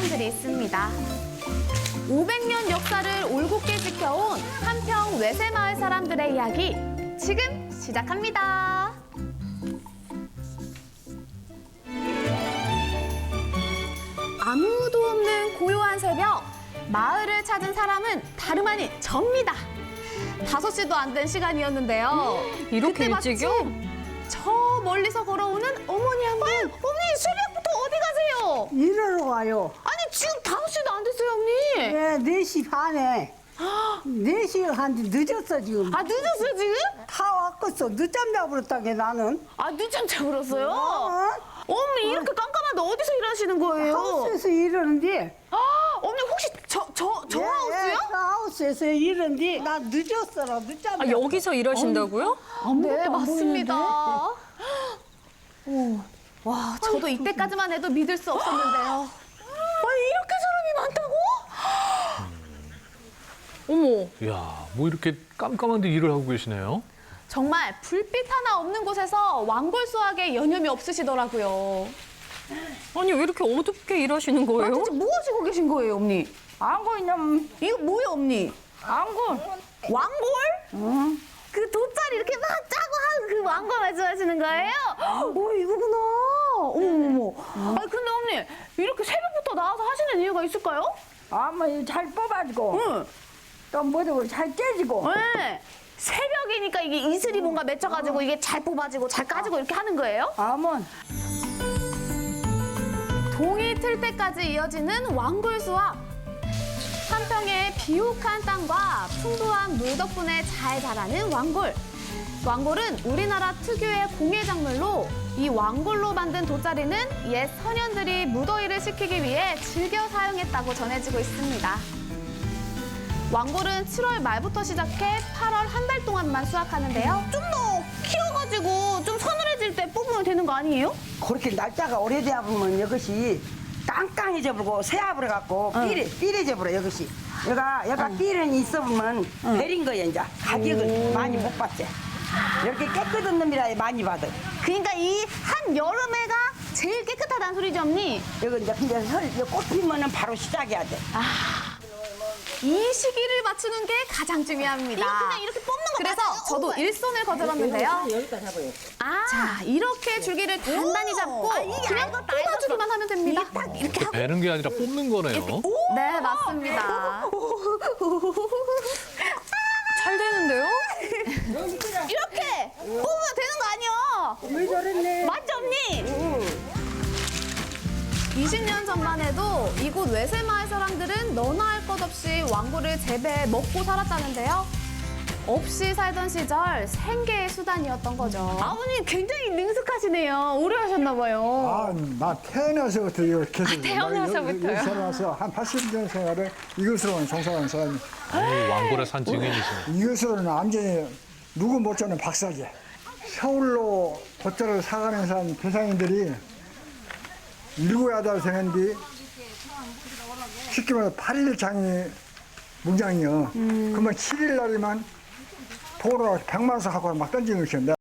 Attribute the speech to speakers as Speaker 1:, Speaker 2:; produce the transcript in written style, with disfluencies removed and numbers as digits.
Speaker 1: 사람들이 있습니다. 500년 역사를 올곧게 지켜온 한평 외세마을 사람들의 이야기 지금 시작합니다. 아무도 없는 고요한 새벽, 마을을 찾은 사람은 다름 아닌 접니다. 5시도 안 된 시간이었는데요.
Speaker 2: 이렇게
Speaker 1: 그때
Speaker 2: 일찍이요?
Speaker 1: 마침 저 멀리서 걸어오는 어머니 한 분. 어머니 새벽부터 어디 가세요?
Speaker 3: 일하러 가요.
Speaker 1: 아니 지금 5시도 안 됐어요, 어머니.
Speaker 3: 예, 4시 반에. 4시 한지 늦었어, 지금.
Speaker 1: 아 늦었어요 지금?
Speaker 3: 다 왔겠어. 늦잠 자버렸다게, 나는.
Speaker 1: 아 늦잠 자버렸어요?
Speaker 3: 어?
Speaker 1: 어머니 이렇게 깜깜한데 어디서 일하시는 거예요?
Speaker 3: 하우스에서 일하는데.
Speaker 1: 아 어머니 혹시 저
Speaker 3: 예,
Speaker 1: 하우스요?
Speaker 3: 저 하우스에서 일하는데. 나 늦었어라, 늦잠
Speaker 2: 아,
Speaker 3: 자.
Speaker 2: 여기서 일하신다고요?
Speaker 1: 네 맞습니다. 오, 와 저도 이때까지만 해도 믿을 수 없었는데요. 아니 이렇게 사람이 많다고?
Speaker 2: 어머,
Speaker 4: 이야, 뭐 이렇게 깜깜한데 일을 하고 계시네요?
Speaker 1: 정말 불빛 하나 없는 곳에서 왕골 수확에 여념이 없으시더라고요.
Speaker 2: 아니 왜 이렇게 어둡게 일하시는
Speaker 1: 아,
Speaker 2: 거예요?
Speaker 1: 대체 뭐 하시고 계신 거예요, 언니?
Speaker 3: 안고 있는,
Speaker 1: 이거 뭐예요, 언니?
Speaker 3: 안고.
Speaker 1: 왕골?
Speaker 3: 응.
Speaker 1: 그 돗자리 이렇게 막 짜고 하는 그 왕골 말씀하시는 거예요? 오, 이거구나. 어머머머. 아니, 근데 언니, 이렇게 새벽부터 나와서 하시는 이유가 있을까요?
Speaker 3: 아마 잘 뽑아지고.
Speaker 1: 응.
Speaker 3: 또 뭐도 잘 깨지고.
Speaker 1: 네. 새벽이니까 이게 이슬이 뭔가 맺혀가지고 이게 잘 뽑아지고 잘 까지고 이렇게 하는 거예요?
Speaker 3: 아먼.
Speaker 1: 동이 틀 때까지 이어지는 왕골 수확. 한평의 비옥한 땅과 풍부한 물 덕분에 잘 자라는 왕골. 왕골은 우리나라 특유의 공예 작물로 이 왕골로 만든 돗자리는 옛 선현들이 무더위를 식히기 위해 즐겨 사용했다고 전해지고 있습니다. 왕골은 7월 말부터 시작해 8월 한 달 동안만 수확하는데요. 좀 더 키워가지고 좀 서늘해질 때 뽑으면 되는 거 아니에요?
Speaker 3: 그렇게 날짜가 오래돼야 보면 이것이 깡깡해져 버리고 새아버려 갖고 삐래져 버려 이것이. 얘가 삐는 있어 보면 베린 거야 이제. 가격을 많이 못 받지. 이렇게 깨끗한 놈이라 많이 받아.
Speaker 1: 그러니까 이 한 여름에가 제일 깨끗하다는 소리죠, 언니?
Speaker 3: 여기 이제 근데 꽃 피면은 바로 시작해야 돼.
Speaker 1: 이 시기를 맞추는 게 가장 중요합니다.
Speaker 5: 이거 그냥 이렇게 뽑는 거
Speaker 1: 그래서
Speaker 5: 맞아요?
Speaker 1: 저도 일손을 거들었는데요.
Speaker 3: 여기까지 잡아요.
Speaker 1: 자, 이렇게 줄기를 단단히 잡고 그냥 뽑아주기만 하면 됩니다.
Speaker 4: 이렇게 베는 게 아니라 뽑는 거네요.
Speaker 1: 네, 맞습니다.
Speaker 2: 잘 되는데요?
Speaker 1: 이렇게 뽑으면 되는 거 아니에요?
Speaker 3: 왜 저랬네?
Speaker 1: 맞죠, 언니? 20년 전만 해도 이곳 외세마을 사람들은 너나 할 것 없이 왕골을 재배해 먹고 살았다는데요. 없이 살던 시절 생계의 수단이었던 거죠. 아버님 굉장히 능숙하시네요. 오래 하셨나 봐요.
Speaker 6: 아, 나 태어나서부터 이걸 계속
Speaker 1: 태어나서부터요?
Speaker 6: 여기 살아서 한 80년 생활을 이것으로만 종사하는 사람이
Speaker 4: 왕골의 산 증인이시네.
Speaker 6: 이것으로는 완전히 누구 못지않은 박사지. 서울로 돗자리를 사가는 사람 대상인들이 7, 8생 뒤 쉽게 말해서 8일 장이 뭉장이요. 그러면 7일 날이면 도로 100만 원 갖고 막 던지는 것이요.